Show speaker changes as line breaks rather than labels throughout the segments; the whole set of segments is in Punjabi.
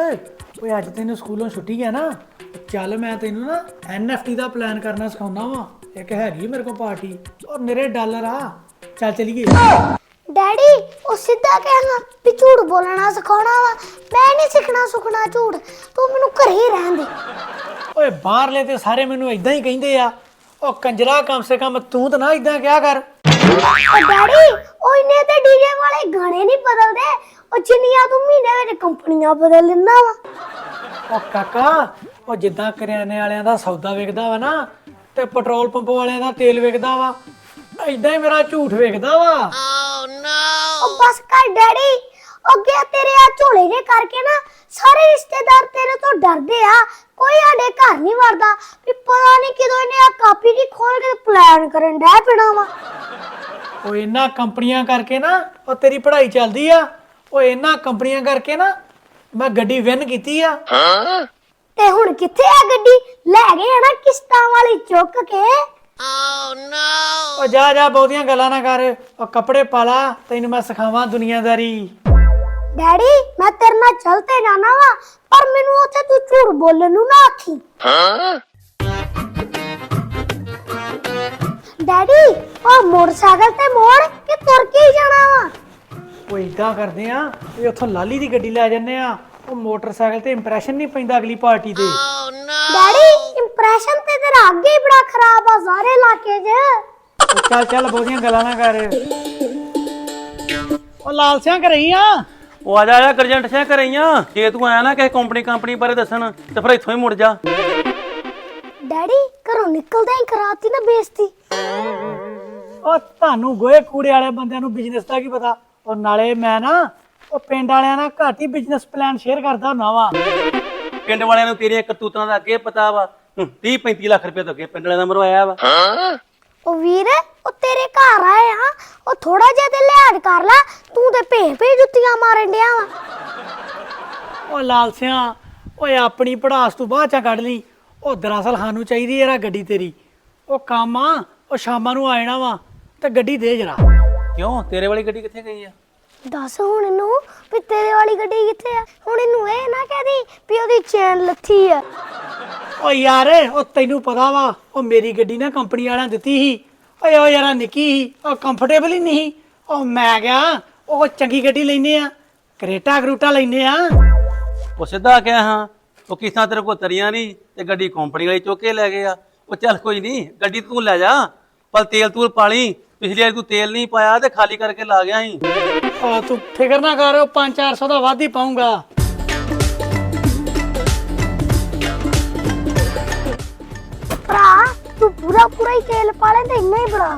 ਓਏ ਅੱਜ ਤੈਨੂੰ ਸਕੂਲੋਂ ਛੁੱਟੀ ਹੈ ਨਾ, ਚੱਲ ਮੈਂ ਤੈਨੂੰ ਨਾ NFT ਦਾ ਪਲਾਨ ਕਰਨਾ ਸਿਖਾਉਣਾ ਵਾ। ਇੱਕ ਹੈਗੀ ਮੇਰੇ ਕੋਲ ਪਾਰਟੀ ਔਰ ਮੇਰੇ ਡਾਲਰ ਆ, ਚੱਲ ਚਲੀਏ।
ਡੈਡੀ ਉਹ ਸਿੱਧਾ ਕਹਿਣਾ ਵੀ ਝੂਠ ਬੋਲਣਾ ਸਿਖਾਉਣਾ ਵਾ। ਮੈਂ ਨਹੀਂ ਸਿੱਖਣਾ ਸੁਖਣਾ ਝੂਠ, ਤੂੰ ਮੈਨੂੰ ਘਰੇ ਹੀ ਰਹਿਣ ਦੇ।
ਓਏ ਬਾਹਰਲੇ ਤੇ ਸਾਰੇ ਮੈਨੂੰ ਇਦਾਂ ਹੀ ਕਹਿੰਦੇ ਆ। ਉਹ ਕੰਜਰਾ, ਕਮ ਸੇ ਕਮ ਤੂੰ ਤਾਂ ਨਾ ਇਦਾਂ ਕਿਹਾ ਕਰ।
ਉਹ ਡੈਡੀ ਉਹ ਇੰਨੇ ਤੇ ਡੀਜੇ ਵਾਲੇ ਗਾਣੇ ਨਹੀਂ ਬਦਲਦੇ, ਉਹ ਜਿੰਨੀਆਂ ਤੂੰ ਮਹੀਨੇ ਵਿੱਚ ਕੰਪਨੀਆਂ ਬਦਲ ਲੈਂਦਾ ਵਾ।
ਉਹ ਕਾਕਾ, ਉਹ ਜਿੱਦਾਂ ਕਰਿਆਨੇ ਵਾਲਿਆਂ ਦਾ ਸੌਦਾ ਵਿਕਦਾ ਵਾ ਨਾ, ਤੇ ਪੈਟਰੋਲ ਪੰਪ ਵਾਲਿਆਂ ਦਾ ਤੇਲ ਵਿਕਦਾ ਵਾ, ਇਦਾਂ ਹੀ ਮੇਰਾ ਝੂਠ ਵਿਕਦਾ ਵਾ।
ਉਹ ਬਸ ਕਰ ਡੈਡੀ, ਅੱਗੇ ਤੇਰੇ ਆ ਝੋਲੇ ਦੇ ਕਰਕੇ ਨਾ ਸਾਰੇ ਰਿਸ਼ਤੇਦਾਰ ਤੇਰੇ ਤੋਂ ਡਰਦੇ ਆ। ਕੋਈ ਸਾਡੇ ਘਰ ਨਹੀਂ ਵੜਦਾ ਵੀ ਪਤਾ ਨਹੀਂ ਕਿਦੋਂ ਇਹਨੇ ਆ ਕਾਪੀ ਦੀ ਖੋਲ ਕੇ ਪਲਾਨ ਕਰਨ ਡੈ ਪੈਣਾ ਵਾ।
ਉਹ ਇਹਨਾਂ ਕੰਪਨੀਆਂ ਕਰਕੇ ਨਾ ਉਹ ਤੇਰੀ ਪੜ੍ਹਾਈ ਚੱਲਦੀ ਆ। ਉਹ ਇਹਨਾਂ ਕੰਪਨੀਆਂ ਕਰਕੇ ਨਾ ਮੈਂ ਗੱਡੀ ਵਿਨ ਕੀਤੀ ਆ।
ਤੇ ਹੁਣ ਕਿੱਥੇ ਆ ਗੱਡੀ? ਲੈ ਗਏ ਆ ਨਾ ਕਿਸ਼ਤਾਂ ਵਾਲੀ ਚੁੱਕ ਕੇ।
ਉਹ ਜਾ ਜਾ, ਬਹੁਤੀਆਂ ਗੱਲਾਂ ਨਾ ਕਰ। ਉਹ ਕੱਪੜੇ ਪਾ ਲਾ, ਤੈਨੂੰ ਮੈਂ ਸਿਖਾਵਾਂ ਦੁਨੀਆਦਾਰੀ।
ਡੈਡੀ ਮੈਂ ਤੇਰੇ ਨਾਲ ਚੱਲ ਤੇ ਜਾਣਾ ਵਾ, ਪਰ ਮੈਨੂੰ ਉੱਥੇ ਤੂੰ ਝੂਠ ਬੋਲਣ ਨੂੰ ਨਾ ਆਖੀ। ਡੈਡੀ ਉਹ ਮੋਟਰਸਾਈਕਲ ਤੇ ਮੋੜ ਕੇ ਤੁਰ ਕੇ ਹੀ ਜਾਣਾ ਵਾ।
ਉਹ ਇਦਾਂ ਕਰਦੇ ਆ ਵੀ ਉੱਥੋਂ ਲਾਲੀ ਦੀ ਗੱਡੀ ਲੈ ਜੰਨੇ ਆ। ਉਹ ਮੋਟਰਸਾਈਕਲ ਤੇ ਇੰਪ੍ਰੈਸ਼ਨ ਨਹੀਂ ਪੈਂਦਾ ਅਗਲੀ ਪਾਰਟੀ ਤੇ।
ਡੈਡੀ ਇੰਪ੍ਰੈਸ਼ਨ ਤੇ ਤੇਰਾ ਅੱਗੇ ਹੀ ਬੜਾ ਖਰਾਬ ਆ ਸਾਰੇ ਇਲਾਕੇ 'ਚ।
ਉਹ ਚੱਲ ਚੱਲ, ਬਹੁਤੀਆਂ ਗੱਲਾਂ ਨਾ ਕਰ। ਉਹ ਲਾਲ ਸਿਆਂ ਕਰਈ ਆ।
ਉਹ ਆ ਜਾ ਗਰਜੰਟ ਸਿਆ ਕਰਈਆਂ। ਜੇ ਤੂੰ ਆਇਆ ਨਾ ਕਿਸੇ ਕੰਪਨੀ ਬਾਰੇ ਦੱਸਣ ਤੇ ਫਿਰ ਇੱਥੋਂ ਹੀ ਮੁੜ ਜਾ।
ਡੈਡੀ ਘਰੋਂ ਨਿਕਲਦੇ ਹੀ ਕਰਾਤੀ ਨਾ ਬੇਇੱਜ਼ਤੀ।
ਉਹ ਤੁਹਾਨੂੰ ਗੋਹੇ ਕੂੜੇ ਵਾਲੇ ਬੰਦਿਆਂ ਨੂੰ ਬਿਜ਼ਨਸ ਦਾ ਕੀ ਪਤਾ। ਉਹ ਨਾਲੇ ਮੈਂ ਨਾ ਉਹ ਪਿੰਡ ਵਾਲਿਆਂ ਨਾਲ ਘੱਟ ਹੀ ਬਿਜ਼ਨਸ ਪਲਾਨ ਸ਼ੇਅਰ ਕਰਦਾ ਹੁੰਦਾ ਵਾ।
ਪਿੰਡ ਵਾਲਿਆਂ ਨੂੰ ਤੇਰੀਆਂ ਕਰਤੂਤਾਂ ਦਾ ਅੱਗੇ ਪਤਾ ਵਾ। 30-35 ਲੱਖ ਰੁਪਏ ਤੋਂ ਅੱਗੇ ਪਿੰਡ ਵਾਲਿਆਂ ਦਾ ਮਰਵਾਇਆ ਵਾ।
ਉਹ ਵੀਰ ਉਹ ਤੇਰੇ ਘਰ ਆਏ ਆ, ਉਹ ਥੋੜਾ ਜਿਹਾ ਤੇ ਲਿਹਾਜ਼ ਕਰ ਲੈ। ਤੂੰ ਤੇ ਭੇ ਜੁੱਤੀਆਂ ਮਾਰਨ ਡਿਆ ਵਾ।
ਉਹ ਲਾਲ ਸਿਆਂ, ਓਏ ਆਪਣੀ ਪੜਾਸ ਤੂੰ ਬਾਅਦ ਚ ਕੱਢ ਲਈ। ਉਹ ਦਰਅਸਲ ਸਾਨੂੰ ਚਾਹੀਦੀ ਯਾਰ ਗੱਡੀ ਤੇਰੀ। ਉਹ ਕੰਮ ਆ, ਉਹ ਸ਼ਾਮਾਂ ਨੂੰ ਆ ਜਾਣਾ ਵਾ, ਤੇ ਗੱਡੀ ਦੇ ਜਰਾ।
ਕਿਉਂ ਤੇਰੇ ਵਾਲੀ ਗੱਡੀ ਕਿੱਥੇ ਗਈ ਆ?
ਦੱਸ ਹੁਣ ਇਹਨੂੰ ਵੀ ਤੇਰੇ ਵਾਲੀ ਗੱਡੀ ਕਿੱਥੇ ਆ। ਹੁਣ ਇਹਨੂੰ ਇਹ ਨਾ ਕਹਦੀ ਵੀ ਉਹਦੀ ਚੈਨ ਲੱਥੀ ਆ।
ਓ ਯਾਰ ਉਹ ਤੈਨੂੰ ਪਤਾ ਵਾ, ਉਹ ਮੇਰੀ ਗੱਡੀ ਨਾ ਕੰਪਨੀ ਵਾਲਿਆਂ ਦਿੱਤੀ ਸੀ। ਓਏ ਉਹ ਯਾਰ ਨਿੱਕੀ ਸੀ, ਉਹ ਕੰਫਰਟੇਬਲ ਹੀ ਨਹੀਂ। ਉਹ ਮੈਂ ਕਿਹਾ ਉਹ ਚੰਗੀ ਗੱਡੀ ਲੈਨੇ ਆ, ਕਰੇਟਾ ਕਰੂਟਾ ਲੈਨੇ ਆ।
ਉਹ ਸਿੱਧਾ ਕਿਹਾ ਹਾਂ। ਉਹ ਕਿਸਾਂ ਤੇਰੇ ਕੋਲ ਤਰੀਆਂ ਨਹੀਂ ਤੇ ਗੱਡੀ ਕੰਪਨੀ ਵਾਲੀ ਚੁੱਕ ਕੇ ਲੈ ਗਏ ਆ। ਉਹ ਚੱਲ ਕੋਈ ਨਹੀਂ, ਗੱਡੀ ਤੂੰ ਲੈ ਜਾ, ਪਰ ਤੇਲ ਤੂਲ ਪਾ ਲਈ। ਪਿਛਲੀ ਵਾਰ ਤੂੰ ਤੇਲ ਨਹੀਂ ਪਾਇਆ ਤੇ ਖਾਲੀ ਕਰਕੇ ਲਾ ਗਿਆ ਸੀ।
ਤੂੰ ਫਿਕਰ ਨਾ ਕਰ, 500-400 ਦਾ ਵੱਧ ਹੀ ਪਾਉਂਗਾ।
ਭਰਾ ਤੂੰ ਪੂਰਾ ਹੀ ਤੇਲ ਪਾ ਲੈ ਤੇ ਇੰਨਾ ਹੀ ਬੜਾ।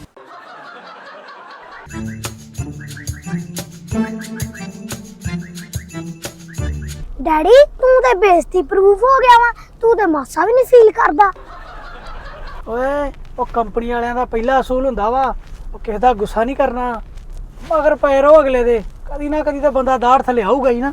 ਡੈਡੀ ਤੂੰ ਤੇ ਬੇਇੱਜ਼ਤੀ ਪ੍ਰੂਫ ਹੋ ਗਿਆ ਵਾ। ਤੂੰ ਤੇ ਮਾਸਾ ਵੀ ਨਹੀਂ ਫੀਲ ਕਰਦਾ।
ਓਏ ਉਹ ਕੰਪਨੀ ਵਾਲਿਆਂ ਦਾ ਪਹਿਲਾ ਅਸੂਲ ਹੁੰਦਾ ਵਾ, ਉਹ ਕਿਸੇ ਦਾ ਗੁੱਸਾ ਨਹੀਂ ਕਰਨਾ, ਮਗਰ ਪਏ ਰਹੋ ਅਗਲੇ ਦੇ। ਕਦੀ ਨਾ ਕਦੀ ਤਾਂ ਬੰਦਾ ਦਾੜ ਥੱਲੇ ਆਊਗਾ ਹੀ ਨਾ।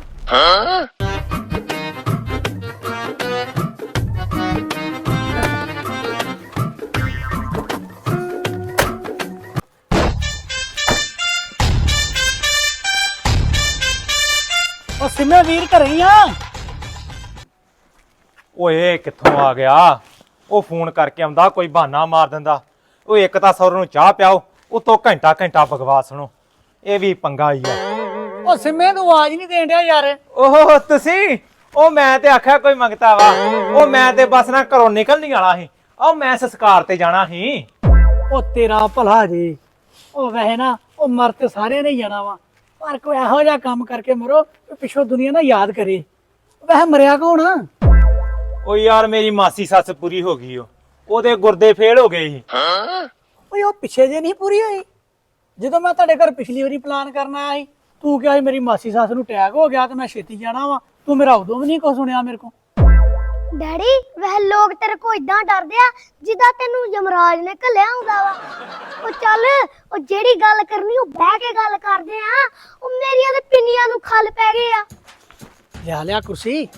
ਉਹ ਸਿਮੇ ਵੀਰ ਘਰੇ ਹੀ ਆ।
ਓਏ ਕਿੱਥੋਂ ਆ ਗਿਆ? ਉਹ ਫੋਨ ਕਰਕੇ ਆਉਂਦਾ, ਕੋਈ ਬਹਾਨਾ ਮਾਰ ਦਿੰਦਾ। ਉਹ ਇੱਕ ਤਾਂ ਸੌਰ ਨੂੰ ਚਾਹ ਪਿਆਓ, ਉਤੋਂ ਘੰਟਾ ਬਕਵਾਸ ਸੁਣੋ। ਇਹ ਵੀ ਪੰਗਾ ਹੀ ਆ।
ਉਹ ਸਿਮੇ ਤੂੰ ਆਵਾਜ਼ ਨਹੀਂ ਦੇਣ ਡਿਆ ਯਾਰ।
ਓਹ ਤੁਸੀਂ? ਉਹ ਮੈਂ ਤੇ ਆਖਿਆ ਕੋਈ ਮੰਗਤਾ ਵਾ। ਉਹ ਮੈਂ ਤੇ ਬਸ ਨਾ ਘਰੋਂ ਨਿਕਲਣ ਵਾਲਾ ਸੀ। ਉਹ ਮੈਂ ਸੰਸਕਾਰ ਤੇ ਜਾਣਾ ਸੀ।
ਉਹ ਤੇਰਾ ਭਲਾ ਜੀ। ਉਹ ਵੈਸੇ ਨਾ ਉਹ ਮਰ ਤੇ ਸਾਰਿਆਂ ਨੇ ਜਾਣਾ ਵਾ, ਪਰ ਕੋਈ ਇਹੋ ਜਿਹਾ ਕੰਮ ਕਰਕੇ ਮਰੋ ਪਿੱਛੋਂ ਦੁਨੀਆ ਨਾ ਯਾਦ ਕਰੇ। ਵੈਸੇ ਮਰਿਆ ਕੌਣ ਆ?
ਉਹ ਯਾਰ ਮੇਰੀ ਮਾਸੀ ਸੱਸ ਪੂਰੀ ਹੋ ਗਈ। ਉਹਦੇ ਗੁਰਦੇ ਫੇਲ ਹੋ ਗਏ ਸੀ।
ਓਏ ਉਹ ਪਿੱਛੇ ਜੇ ਨਹੀਂ ਪੂਰੀ ਹੋਈ ਜਦੋਂ ਮੈਂ ਤੁਹਾਡੇ ਘਰ ਪਿਛਲੀ ਵਾਰੀ ਪਲਾਨ ਕਰਨ ਆਇਆ ਸੀ। ਤੂੰ ਕਿਹਾ ਸੀ ਮੇਰੀ ਮਾਸੀ ਸੱਸ ਨੂੰ ਅਟੈਕ ਹੋ ਗਿਆ ਤੇ ਮੈਂ ਛੇਤੀ ਜਾਣਾ ਵਾ। ਤੂੰ ਮੇਰਾ ਉਦੋਂ ਵੀ ਨਹੀਂ ਕੁਛ ਸੁਣਿਆ ਮੇਰੇ ਕੋਲ।
ਡੈਡੀ ਵਹ ਲੋਕ ਤੇਰੇ ਕੋ ਇਦਾਂ ਡਰਦੇ ਆ ਜਿੱਦਾਂ ਤੈਨੂੰ ਯਮਰਾਜ ਨੇ ਘੱਲਿਆ ਹੁੰਦਾ ਵਾ। ਉਹ ਚੱਲ ਉਹ ਜਿਹੜੀ ਗੱਲ ਕਰਨੀ ਉਹ ਬਹਿ ਕੇ ਗੱਲ ਕਰਦੇ ਆ। ਉਹ ਮੇਰੀਆਂ ਤੇ ਪਿੰਨੀਆਂ ਨੂੰ ਖੱਲ ਪੈ ਗਏ ਆ।
ਲਿਆ ਕੁਰਸੀ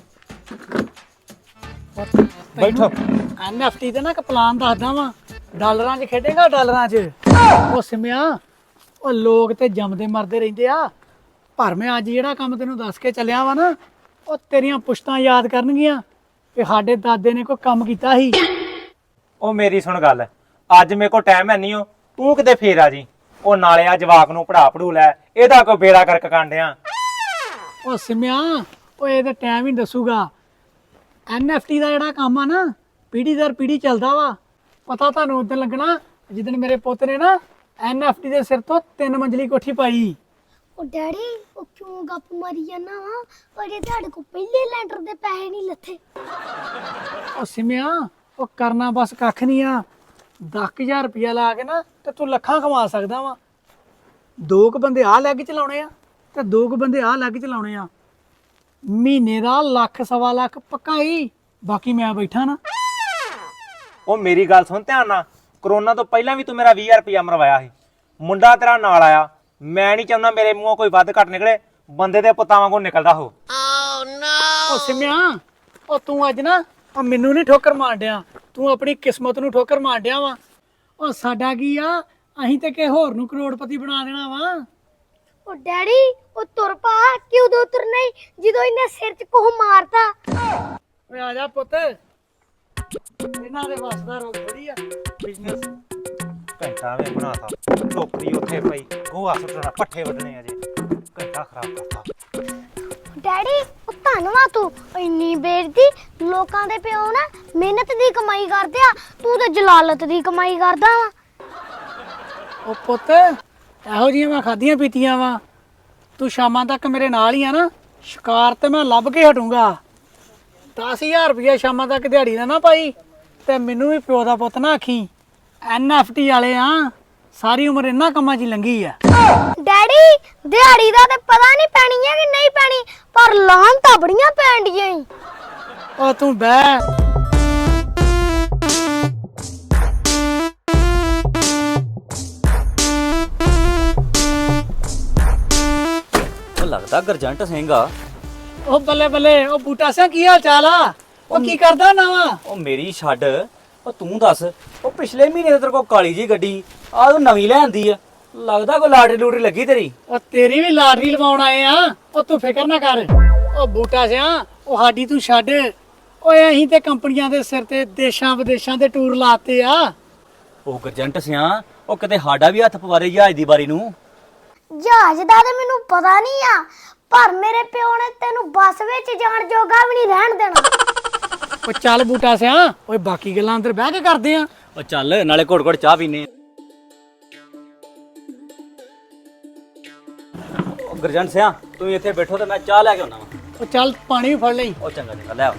ਬੈਠੋ।
NFT ਤੇ ਨਾ ਇੱਕ ਪਲਾਨ ਦੱਸਦਾ ਵਾ। ਡਾਲਰਾਂ 'ਚ ਖੇਡੇਗਾ, ਡਾਲਰਾਂ 'ਚ। ਉਹ ਸਿਮਿਆ, ਉਹ ਲੋਕ ਤੇ ਜੰਮਦੇ ਮਰਦੇ ਰਹਿੰਦੇ ਆ, ਪਰ ਮੈਂ ਅੱਜ ਜਿਹੜਾ ਕੰਮ ਤੈਨੂੰ ਦੱਸ ਕੇ ਚੱਲਿਆ ਵਾ ਨਾ, ਉਹ ਤੇਰੀਆਂ ਪੁਸ਼ਤਾਂ ਯਾਦ ਕਰਨਗੀਆਂ ਕਿ ਸਾਡੇ ਦਾਦੇ ਨੇ ਕੋਈ ਕੰਮ ਕੀਤਾ ਸੀ।
ਉਹ ਮੇਰੀ ਸੁਣ ਗੱਲ, ਅੱਜ ਮੇਰੇ ਕੋਲ ਟਾਈਮ ਹੈ ਨਹੀਂ ਓ, ਤੂੰ ਕਿਤੇ ਫੇਰ ਆ ਜੀ। ਉਹ ਨਾਲੇ ਆ ਜਵਾਕ ਨੂੰ ਪੜੂ ਲੈ, ਇਹਦਾ ਕੋਈ ਬੇੜਾ ਕਰਕ ਕਾਂਡਿਆ।
ਉਹ ਸਿਮਿਆ, ਉਹ ਇਹਦਾ ਟਾਈਮ ਹੀ ਦੱਸੂਗਾ। NFT ਦਾ ਜਿਹੜਾ ਕੰਮ ਆ ਨਾ, ਪੀੜ੍ਹੀ ਦਰ ਪੀੜ੍ਹੀ ਚੱਲਦਾ ਵਾ। ਪਤਾ ਤੁਹਾਨੂੰ ਉਦੋਂ ਲੱਗਣਾ ਜਿੱਦਣ ਮੇਰੇ ਪੁੱਤ ਨੇ ਨਾ NFT ਦੇ ਸਿਰ ਤੋਂ 3 ਮੰਜ਼ਲੀ ਕੋਠੀ ਪਾਈ।
ਉਹ ਡੈਡੀ ਉਹ ਕਿਉਂ ਗੱਪ ਮਾਰੀ ਜਾਂਦਾ ਵਾ? ਅਜੇ ਤੁਹਾਡੇ ਕੋਲ ਪਹਿਲੇ ਲੈਂਟਰ ਦੇ ਪੈਸੇ ਨਹੀਂ ਲੱਥੇ।
ਉਹ ਸਿਮਿਆ, ਉਹ ਕਰਨਾ ਬਸ ਕੱਖ ਨਹੀਂ ਆ। 10,000 ਰੁਪਇਆ ਲਾ ਕੇ ਨਾ ਤੇ ਤੂੰ ਲੱਖਾਂ ਕਮਾ ਸਕਦਾ ਵਾ। 2 ਕੁ ਬੰਦੇ ਆਹ ਲੈਗ ਚਲਾਉਣੇ ਆ ਤੇ 2 ਕੁ ਬੰਦੇ ਆਹ ਲੈਗ ਚਲਾਉਣੇ ਆ। ਮਹੀਨੇ ਦਾ ਲੱਖ ਸਵਾ ਲੱਖ ਪੱਕਾ ਹੀ, ਬਾਕੀ ਮੈਂ ਬੈਠਾ ਨਾ।
ਉਹ ਮੇਰੀ ਗੱਲ ਸੁਣ ਧਿਆਨ ਨਾਲ, ਕਰੋਨਾ ਤੋਂ ਪਹਿਲਾਂ ਵੀ ਤੂੰ ਮੇਰਾ 20,000 ਰੁਪਇਆ ਮਰਵਾਇਆ ਸੀ। ਮੁੰਡਾ ਤੇਰਾ ਨਾਲ ਆਇਆ, ਮੈਂ ਨਹੀਂ ਚਾਹੁੰਦਾ ਮੇਰੇ ਮੂੰਹੋਂ ਕੋਈ ਵੱਧ ਘੱਟ ਨਿਕਲੇ, ਬੰਦੇ ਦੇ ਪੁੱਤਾਂ ਵਾਂਗੂ ਨਿਕਲਦਾ ਹੋ।
ਉਹ ਸਿਮਿਆ, ਉਹ ਤੂੰ ਅੱਜ ਨਾ ਉਹ ਮੈਨੂੰ ਨਹੀਂ ਠੋਕਰ ਮਾਰ ਡਿਆ, ਤੂੰ ਆਪਣੀ ਕਿਸਮਤ ਨੂੰ ਠੋਕਰ ਮਾਰ ਡਿਆ ਵਾ। ਉਹ ਸਾਡਾ ਕੀ ਆ, ਅਸੀਂ ਤੇ ਕਿਸੇ ਹੋਰ ਨੂੰ ਕਰੋੜਪਤੀ ਬਣਾ ਦੇਣਾ ਵਾ।
ਉਹ ਡੈਡੀ ਉਹ ਤੁਰ ਪਾ, ਕਿ ਉਦੋਂ ਤੁਰਨਾ ਹੀ ਜਦੋਂ ਇਹਨੇ ਸਿਰ 'ਚ ਕੋਹ ਮਾਰਤਾ।
ਓਏ ਆ ਜਾ ਪੁੱਤ, ਇਹਨਾਂ ਦੇ ਵਸਦਾ ਰੋਗ ਥੋੜੀ ਆ ਬਿਜ਼ਨਸ।
ਘੰਟਾ ਵੇ ਬਣਾਤਾ, ਟੋਕਰੀ ਉੱਥੇ ਪਈ, ਗੋਹਾ ਸੁੱਟਣਾ, ਪੱਠੇ ਵੱਢਣੇ ਅਜੇ, ਘੰਟਾ ਖਰਾਬ ਕਰਤਾ।
ਡੈਡੀ ਉਹ ਧੰਨਵਾਦ ਤੂੰ, ਇੰਨੀ ਬੇਇੱਜ਼ਤੀ। ਲੋਕਾਂ ਦੇ ਪਿਓ ਨਾ ਮਿਹਨਤ ਦੀ ਕਮਾਈ ਕਰਦੇ ਆ, ਤੂੰ ਤੇ ਜਲਾਲਤ ਦੀ ਕਮਾਈ ਕਰਦਾ ਵਾ।
ਉਹ ਪੁੱਤ, ਇਹੋ ਜਿਹੀਆਂ ਮੈਂ ਖਾਧੀਆਂ ਪੀਤੀਆਂ ਵਾ। ਤੂੰ ਸ਼ਾਮਾਂ ਤੱਕ ਮੇਰੇ ਨਾਲ ਹੀ ਆ ਨਾ, ਸ਼ਿਕਾਰ ਤੇ ਮੈਂ ਲੱਭ ਕੇ ਹਟੂੰਗਾ। 10,000 ਰੁਪਇਆ ਸ਼ਾਮਾਂ ਤੱਕ ਦਿਹਾੜੀ ਦਾ ਨਾ ਪਾਈ ਤੇ ਮੈਨੂੰ ਵੀ ਪਿਓ ਦਾ ਪੁੱਤ ਨਾ ਆਖੀ। NFT ਵਾਲੇ ਆ, ਸਾਰੀ ਉਮਰ ਇਹਨਾਂ ਕੰਮਾਂ 'ਚ ਹੀ ਲੰਘੀ ਆ।
ਡੈਡੀ ਦਿਹਾੜੀ ਦਾ ਤੇ ਪਤਾ ਨਹੀਂ ਪੈਣੀ ਹੈ ਕਿ ਨਹੀਂ ਪੈਣੀ, ਪਰ ਲਾਹਨ ਤਾਂ ਬੜੀਆਂ ਪੈਣਡੀਆਂ ਈ।
ਉਹ ਤੂੰ ਬਹਿ।
ਉਹ ਲੱਗਦਾ ਗਰਜੰਟ ਸਿੰਘ ਆ।
ਉਹ ਬੱਲੇ ਬੱਲੇ, ਉਹ ਬੂਟਾ ਸਿਆ ਕੀ ਹਾਲ ਚਾਲ ਆ? ਉਹ ਕੀ ਕਰਦਾ ਨਾ ਵਾ?
ਉਹ ਮੇਰੀ ਛੱਡ, ਉਹ ਤੂੰ ਦੱਸ। ਉਹ ਪਿਛਲੇ ਮਹੀਨੇ ਤੇ ਤੇਰੇ ਕੋਲ ਕਾਲੀ ਜੀ ਗੱਡੀ ਆ, ਤੂੰ ਨਵੀਂ ਲੈਂਦੀ ਆ। ਲੱਗਦਾ ਕੋਈ ਲਾਟਰੀ ਲੂਟਰੀ ਲੱਗੀ ਤੇਰੀ।
ਉਹ ਤੇਰੀ ਵੀ ਲਾਟਰੀ ਲਵਾਉਣ ਆਏ ਆ। ਉਹ ਤੂੰ ਫਿਕਰ ਨਾ ਕਰ। ਉਹ ਬੂਟਾ ਸਿਆ, ਉਹ ਸਾਡੀ ਤੂੰ ਛੱਡ। ਓਏ ਅਸੀਂ ਤੇ ਕੰਪਨੀਆਂ ਦੇ ਸਿਰ ਤੇ ਦੇਸ਼ਾਂ ਵਿਦੇਸ਼ਾਂ ਦੇ ਟੂਰ ਲਾਤੇ ਆ।
ਉਹ ਗਰਜੰਟ ਸਿਆ, ਉਹ ਕਿਤੇ ਸਾਡਾ ਵੀ ਹੱਥ ਪਵਾਰੇ ਜਹਾਜ਼ ਦੀ ਬਾਰੀ ਨੂੰ।
ਜਹਾਜ਼ ਦਾ ਤੇ ਮੈਨੂੰ ਪਤਾ ਨਹੀਂ ਆ, ਪਰ ਮੇਰੇ ਪਿਓ ਨੇ ਤੈਨੂੰ ਬੱਸ ਵਿੱਚ ਜਾਣ ਜੋਗਾ ਵੀ ਨਹੀਂ ਰਹਿਣ ਦੇਣਾ।
ਉਹ ਚੱਲ ਬੂਟਾ ਸਿਆ, ਓਏ ਬਾਕੀ ਗੱਲਾਂ ਅੰਦਰ ਬਹਿ ਕੇ ਕਰਦੇ ਆ।
ਉਹ ਚੱਲ ਨਾਲੇ ਘੁੱਟ ਘੁੱਟ ਚਾਹ ਪੀਨੇ। ਉਹ ਗਰਜੰਟ ਸਿਆ, ਤੂੰ ਇੱਥੇ ਬੈਠੋ ਤੇ ਮੈਂ ਚਾਹ ਲੈ ਕੇ ਆਉਣਾ ਵਾ।
ਉਹ ਚੱਲ ਪਾਣੀ ਵੀ ਫੜ ਲਈ।
ਉਹ ਚੰਗਾ ਚੰਗਾ ਲੈ ਆ।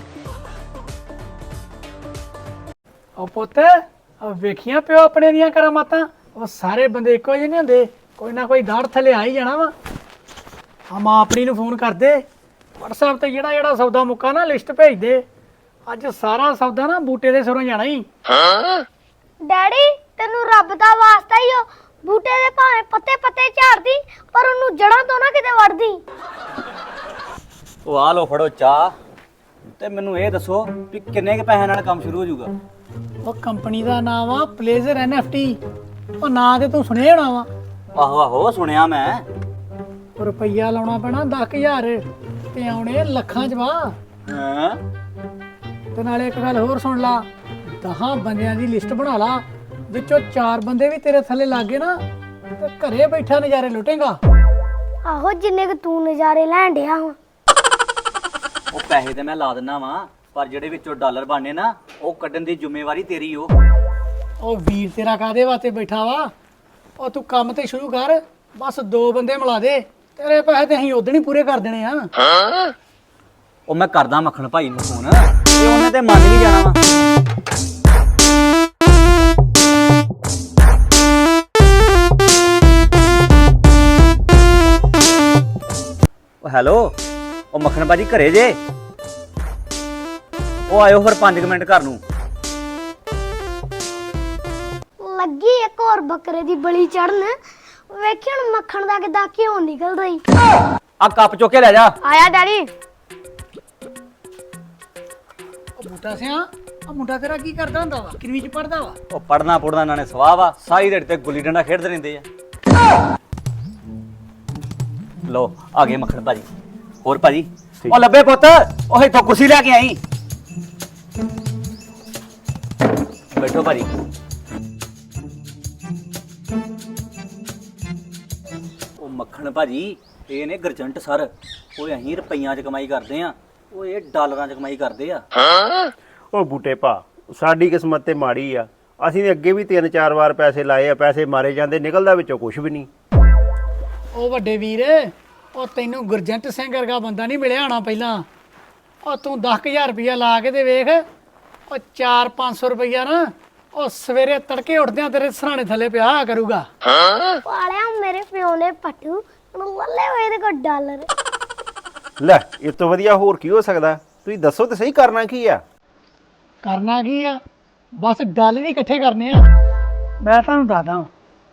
ਉਹ ਪੁੱਤ, ਉਹ ਵੇਖੀਆਂ ਪਿਓ ਆਪਣੇ ਦੀਆਂ ਕਰਾਮਾਤਾਂ। ਉਹ ਸਾਰੇ ਬੰਦੇ ਇੱਕੋ ਜਿਹੇ ਨਹੀਂ ਹੁੰਦੇ, ਕੋਈ ਨਾ ਕੋਈ ਦਾੜ ਥੱਲੇ ਆ ਹੀ ਜਾਣਾ ਵਾ। ਆ ਮਾਂ ਆਪਣੀ ਨੂੰ ਫੋਨ ਕਰਦੇ, WhatsApp ਤੇ ਜਿਹੜਾ ਜਿਹੜਾ ਸੌਦਾ ਮੁੱਕਾ ਨਾ ਲਿਸਟ ਭੇਜ ਦੇ। ਅੱਜ ਸਾਰਾ ਸੌਦਾ ਨਾ ਬੂਟੇ ਦੇ ਸਿਰੋਂ ਜਾਣਾ ਹੀ।
ਡੈਡੀ ਤੈਨੂੰ ਰੱਬ ਦਾ ਵਾਸਤਾ ਹੀ ਹੋ, ਬੂਟੇ ਦੇ ਭਾਵੇਂ ਪੱਤੇ ਪੱਤੇ ਝਾੜਦੀ, ਪਰ ਉਹਨੂੰ ਜੜਾਂ ਤੋਂ ਨਾ ਕਿਤੇ ਵੜਦੀ।
ਉਹ ਆ ਲੋ ਫੜੋ ਚਾਹ, ਤੇ ਮੈਨੂੰ ਇਹ ਦੱਸੋ ਵੀ ਕਿੰਨੇ ਕੇ ਪੈਸਿਆਂ ਨਾਲ ਕੰਮ ਸ਼ੁਰੂ ਹੋ ਜਾਊਗਾ।
ਉਹ ਕੰਪਨੀ ਦਾ ਨਾਮ ਆ ਪਲੇਜ਼ਰ NFT। ਉਹ ਨਾਂ ਤੇ ਤੂੰ ਸੁਣਿਆ ਹੋਣਾ ਵਾ।
ਆਹੋ ਆਹੋ ਸੁਣਿਆ ਮੈਂ।
ਉਹ ਰੁਪਈਆ ਲਾਉਣਾ ਪੈਣਾ 10,000 ਤੇ ਆਉਣੇ ਲੱਖਾਂ 'ਚ ਵਾ।
ਹਾਂ
ਤੇ ਨਾਲੇ ਇੱਕ ਗੱਲ ਹੋਰ ਸੁਣ ਲਾ, 10 ਬੰਦਿਆਂ ਦੀ ਲਿਸਟ ਬਣਾ ਲਾ, ਵਿੱਚੋਂ 4 ਬੰਦੇ ਵੀ ਤੇਰੇ ਥੱਲੇ ਲੱਗ ਗਏ ਨਾ ਤੇ ਘਰੇ ਬੈਠਾ ਨਜ਼ਾਰੇ ਲੁੱਟੇਗਾ।
ਆਹੋ ਜਿੰਨੇ ਕਿ ਤੂੰ ਨਜ਼ਾਰੇ ਲੈਣ ਡਿਆ ਵਾ।
ਉਹ ਪੈਸੇ ਤੇ ਮੈਂ ਲਾ ਦਿੰਨਾ ਵਾਂ, ਪਰ ਜਿਹੜੇ ਵਿੱਚੋਂ ਡਾਲਰ ਬਣਨੇ ਨਾ, ਉਹ ਕੱਢਣ ਦੀ ਜ਼ਿੰਮੇਵਾਰੀ ਤੇਰੀ ਓ।
ਉਹ ਵੀਰ ਤੇਰਾ ਕਾਦੇ ਵਾਸਤੇ ਬੈਠਾ ਵਾ? ਉਹ ਤੂੰ ਕੰਮ ਤੇ ਸ਼ੁਰੂ ਕਰ, ਬਸ 2 ਬੰਦੇ ਮਿਲਾ ਦੇ, ਤੇਰੇ ਪੈਸੇ ਤੇ ਅਸੀਂ ਉਦੋਂ ਹੀ ਪੂਰੇ ਕਰ ਦੇਣੇ ਆ।
ਉਹ ਮੈਂ ਕਰਦਾ ਮੱਖਣ ਭਾਈ ਨੂੰ ਫੋਨ, ਤੇ ਉਹਨੇ ਤੇ ਮੰਨ ਵੀ ਜਾਣਾ ਵਾ। ਉਹ ਹੈਲੋ, ਉਹ ਮੱਖਣ ਭਾਜੀ ਘਰੇ ਜੇ? ਉਹ ਆਇਓ ਫਿਰ 5 ਮਿੰਟ ਘਰ ਨੂੰ।
ਲੱਗੀ ਇੱਕ ਹੋਰ ਬੱਕਰੇ ਦੀ ਬਲੀ ਚੜਨ, ਵੇਖੀ ਹੁਣ ਮੱਖਣ ਦਾ ਕਿੱਦਾਂ ਘਿਓ ਨਿਕਲਦਾ ਈ।
ਆ ਕੱਪ ਚੁੱਕ ਕੇ ਲੈ ਜਾ।
ਆਇਆ ਡੈਡੀ।
ਉਹ ਬੂਟਾ ਸਿਆ, ਆ ਮੁੰਡਾ ਤੇਰਾ ਕੀ ਕਰਦਾ ਹੁੰਦਾ ਵਾ? ਕਿੰਨਵੀਂ 'ਚ ਪੜਦਾ ਵਾ?
ਉਹ ਪੜਨਾ ਪੁੜਨਾ ਇਹਨਾਂ ਨੇ ਸਵਾਹ ਵਾ, ਸਾਰੀ ਦਿਹਾੜੀ ਤੇ ਗੁੱਲੀ ਡੰਡਾ ਖੇਡਦੇ ਰਹਿੰਦੇ ਆ। ਲੋ ਆ ਗਏ ਮੱਖਣ ਭਾਜੀ। ਹੋਰ ਭਾਜੀ ਉਹ ਲੱਭੇ ਪੁੱਤ ਉਹ ਇੱਥੋਂ ਕੁਰਸੀ ਲੈ ਕੇ ਆਈ ਬੈਠੋ ਭਾਜੀ ਉਹ ਮੱਖਣ ਭਾਜੀ ਇਹ ਨੇ ਗਰਜੰਟ ਸਰ ਓਏ ਅਸੀਂ ਰੁਪਈਆਂ 'ਚ ਕਮਾਈ ਕਰਦੇ ਆ ਉਹ ਇਹ ਡਾਲਰਾਂ 'ਚ ਕਮਾਈ ਕਰਦੇ ਆ
ਉਹ ਬੂਟੇ ਭਾ ਸਾਡੀ ਕਿਸਮਤ ਤੇ ਮਾੜੀ ਆ ਅਸੀਂ ਨੇ ਅੱਗੇ ਵੀ 3-4 ਵਾਰ ਪੈਸੇ ਲਾਏ ਆ ਪੈਸੇ ਮਾਰੇ ਜਾਂਦੇ ਨਿਕਲਦਾ ਵਿੱਚੋਂ ਕੁਝ ਵੀ ਨਹੀਂ
ਉਹ ਵੱਡੇ ਵੀਰ ਉਹ ਤੈਨੂੰ ਗੁਰਜੰਟ ਸਿੰਘ ਵਰਗਾ ਬੰਦਾ ਨਹੀਂ ਮਿਲਿਆ ਹੋਣਾ ਪਹਿਲਾਂ ਉਹ ਤੂੰ 10000 ਰੁਪਇਆ ਲਾ ਕੇ ਤੇ ਵੇਖ ਉਹ 4-500 ਰੁਪਇਆ ਨਾ ਉਹ ਸਵੇਰੇ ਤੜਕੇ ਉੱਠਦਿਆਂ ਤੇਰੇ ਸਰਾਣੇ ਥੱਲੇ ਪਿਆ ਕਰੂਗਾ
ਪਾਲਿਆ ਮੇਰੇ ਪਿਓ ਨੇ ਪੱਟੂ ਹੁਣ ਲੱਲੇ ਹੋਏ ਦੇ ਕੋ ਡਾਲਰ
ਲੈ ਇਸ ਤੋਂ ਵਧੀਆ ਹੋਰ ਕੀ ਹੋ ਸਕਦਾ ਤੁਸੀਂ ਦੱਸੋ ਤੇ ਸਹੀ ਕਰਨਾ ਕੀ ਆ
ਕਰਨਾ ਕੀ ਆ ਬਸ ਡਾਲਰ ਹੀ ਇਕੱਠੇ ਕਰਨੇ ਆ ਮੈਂ ਤੁਹਾਨੂੰ ਦੱਸਦਾ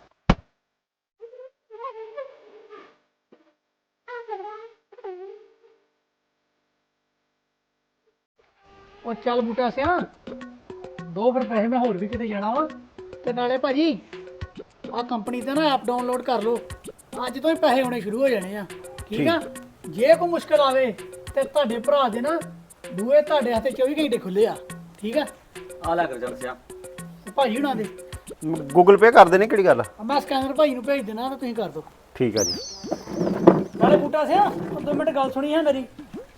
ਉਹ ਚੱਲ ਬੂਟਾ ਸਿਆ ਦੋ ਫਿਰ ਪੈਸੇ ਮੈਂ ਹੋਰ ਵੀ ਕਿਤੇ ਜਾਣਾ ਵਾ ਤੇ ਨਾਲੇ ਭਾਜੀ ਆ ਕੰਪਨੀ ਤੇ ਨਾ ਐਪ ਡਾਊਨਲੋਡ ਕਰ ਲਓ ਅੱਜ ਤੋਂ ਹੀ ਪੈਸੇ ਆਉਣੇ ਸ਼ੁਰੂ ਹੋ ਜਾਣੇ ਆ ਠੀਕ ਆ ਜੇ ਕੋਈ ਮੁਸ਼ਕਲ ਆਵੇ ਤੇ ਤੁਹਾਡੇ ਭਰਾ ਦੇ ਨਾ ਬੂਹੇ ਤੁਹਾਡੇ ਹੱਥੇ 24 ਘੰਟੇ ਖੁੱਲੇ ਆ ਠੀਕ ਆ
ਆ ਲੈ ਗਰਜੰਟ ਸਿਆ
ਭਾਜੀ ਹੁਣਾਂ ਦੇ
ਗੂਗਲ ਪੇ ਕਰ ਦੇਣੇ ਕਿਹੜੀ ਗੱਲ ਆ
ਮੈਂ ਸਕੈਨਰ ਭਾਈ ਨੂੰ ਭੇਜ ਦੇਣਾ ਤੇ ਤੁਸੀਂ ਕਰ ਦਿਓ
ਠੀਕ ਆ ਜੀ
ਨਾਲੇ ਬੂਟਾ ਸਿਆ 2 ਮਿੰਟ ਗੱਲ ਸੁਣੀ ਹੈ ਮੇਰੀ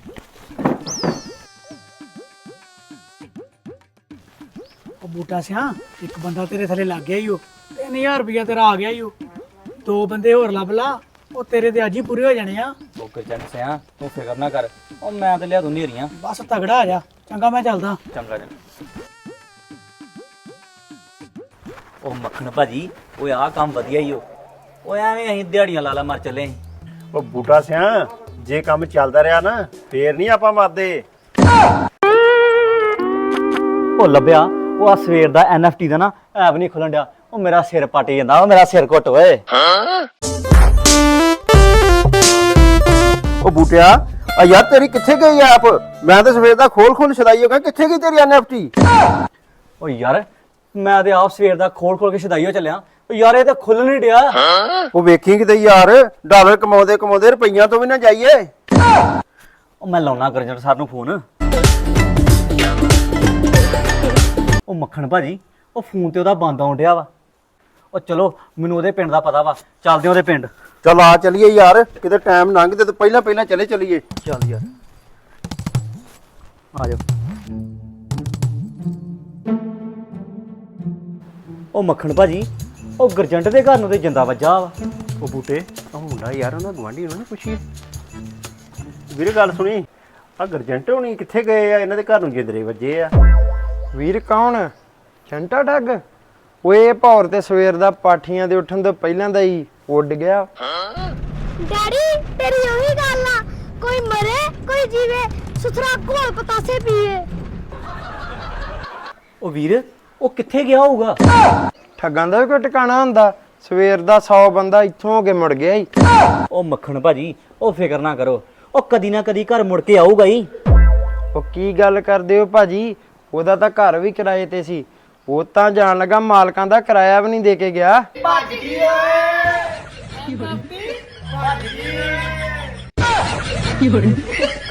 ਉਹ ਬੂਟਾ ਸਿਆ ਇੱਕ ਬੰਦਾ ਤੇਰੇ ਥੱਲੇ ਲੱਗ ਗਿਆ ਈ ਉਹ 3000 ਰੁਪਇਆ ਤੇਰਾ ਆ ਗਿਆ ਈ ਉਹ 2 ਬੰਦੇ ਹੋਰ ਲੱਭ ਲਾ ਉਹ ਤੇਰੇ ਤੇ ਅੱਜ ਹੀ ਪੂਰੇ ਹੋ ਜਾਣੇ ਆ
ਉਹ ਗਰਜੰਟ ਸਿਆ ਤੂੰ ਫਿਕਰ ਨਾ ਕਰ ਉਹ ਮੈਂ ਤੇ ਲਿਆ ਦੂੰ ਨੇਰੀਆਂ
ਬਸ ਤਗੜਾ ਆ ਜਾ ਚੰਗਾ ਮੈਂ ਚੱਲਦਾ
ਚੰਗਾ ਜੀ ਉਹ ਮੱਖਣ ਭਾਜੀ ਓਏ ਆਹ ਕੰਮ ਵਧੀਆ ਹੀ ਉਹ ਐਵੇਂ ਅਸੀਂ ਦਿਹਾੜੀਆਂ ਲਾ ਮਾਰ ਚੱਲੇ ਅਸੀਂ
ਉਹ ਬੂਟਾ ਸਿਆ ਜੇ ਕੰਮ ਚੱਲਦਾ ਰਿਹਾ ਨਾ ਫੇਰ ਨਹੀਂ ਆਪਾਂ ਮਰਦੇ
ਉਹ ਲੱਭਿਆ ਉਹ ਆ ਸਵੇਰ ਦਾ NFT ਦਾ ਨਾ ਐਪ ਨਹੀਂ ਖੁੱਲਣ ਡਿਆ ਉਹ ਮੇਰਾ ਸਿਰ ਪੱਟ ਜਾਂਦਾ ਉਹ ਮੇਰਾ ਸਿਰ ਘੁੱਟ ਓਏ
ਉਹ ਬੂਟਿਆ ਆ ਯਾਰ ਤੇਰੀ ਕਿੱਥੇ ਗਈ ਐਪ ਮੈਂ ਤਾਂ ਸਵੇਰ ਦਾ ਖੋਲ ਛਦਾਈ ਹੋ ਗਿਆ ਕਿੱਥੇ ਗਈ ਤੇਰੀ NFT
ਉਹ ਯਾਰ ਮੈਂ ਤੇ ਆਪ ਸਵੇਰ ਦਾ ਖੋਲ ਕੇ ਛਦਾਈਓ ਚੱਲਿਆ ਉਹ ਯਾਰ ਇਹ ਤਾਂ ਖੁੱਲ ਨਹੀਂ ਡਿਆ
ਉਹ ਵੇਖੀ ਕਿਤੇ ਯਾਰ ਡਾਲਰ ਕਮਾਉਂਦੇ ਰੁਪਈਆਂ ਤੋਂ ਵੀ ਨਾ ਜਾਈਏ
ਉਹ ਮੈਂ ਲਾਉਣਾ ਗਰਜੰਟ ਸਰ ਨੂੰ ਫੋਨ ਉਹ ਮੱਖਣ ਭਾਜੀ ਉਹ ਫੋਨ ਤੇ ਉਹਦਾ ਬੰਦ ਆਉਣ ਡਿਆ ਵਾ ਉਹ ਚਲੋ ਮੈਨੂੰ ਉਹਦੇ ਪਿੰਡ ਦਾ ਪਤਾ ਵਾ ਚੱਲਦੇ ਉਹਦੇ ਪਿੰਡ
ਚਲ ਆ ਚਲੀਏ ਯਾਰ ਕਿਤੇ ਟਾਈਮ ਲੰਘਦੇ ਤੇ ਪਹਿਲਾਂ ਚਲੀਏ
ਚੱਲ ਯਾਰ ਆ ਜਾਓ ਉਹ ਮੱਖਣ ਭਾਜੀ ਉਹ ਗਰਜੰਟ ਦੇ ਘਰ ਨੂੰ ਤੇ ਜਿੰਦਾ ਵੱਜਾ ਵਾ
ਉਹ ਬੂਟੇ ਉਹ ਮੁੰਡਾ ਯਾਰ ਉਹਨਾਂ ਗਵਾਂਢੀ ਉਹਨਾਂ ਨੇ ਪੁੱਛੀ ਵੀਰੇ ਗੱਲ ਸੁਣੀ ਆ ਗਰਜੰਟ ਹੋਣੀ ਕਿੱਥੇ ਗਏ ਆ ਇਹਨਾਂ ਦੇ ਘਰ ਨੂੰ ਜਿੰਦਰੇ ਵੱਜੇ ਆ
ਵੀਰ ਕੌਣ ਛੰਟਾ ਠੱਗ ਓਏ ਭੌਰ ਤੇ ਸਵੇਰ ਦਾ ਪਾਠੀਆਂ ਦੇ ਉੱਠਣ ਤੋਂ ਪਹਿਲਾਂ ਦਾ ਹੀ ਉੱਡ ਗਿਆ
ਡੈਡੀ ਤੇਰੀ ਉਹੀ ਗੱਲ ਆ ਕੋਈ ਮਰੇ ਕੋਈ ਜੀਵੇ ਸੁਥਰਾ ਘੋਲ ਪਤਾਸੇ ਪੀਏ
ਉਹ ਵੀਰ ਉਹ ਕਿੱਥੇ ਗਿਆ ਹੋਊਗਾ
ਠੱਗਾਂ ਦਾ ਵੀ ਕੋਈ ਟਿਕਾਣਾ ਹੁੰਦਾ ਸਵੇਰ ਦਾ 100 ਬੰਦਾ ਇੱਥੋਂ ਹੋ ਕੇ ਮੁੜ ਗਿਆ ਈ
ਉਹ ਮੱਖਣ ਭਾਜੀ ਉਹ ਫਿਕਰ ਨਾ ਕਰੋ ਉਹ ਕਦੀ ਨਾ ਕਦੀ ਘਰ ਮੁੜ ਕੇ ਆਊਗਾ ਹੀ
ਉਹ ਕੀ ਗੱਲ ਕਰਦੇ ਹੋ ਭਾਜੀ ਉਹਦਾ ਤਾਂ ਘਰ ਵੀ ਕਿਰਾਏ ਤੇ ਸੀ ਉਹ ਤਾਂ ਜਾਣ ਲੱਗਾ ਮਾਲਕਾਂ ਦਾ ਕਿਰਾਇਆ ਵੀ ਨਹੀਂ ਦੇ ਕੇ ਗਿਆ
ਭੱਜ ਗਈ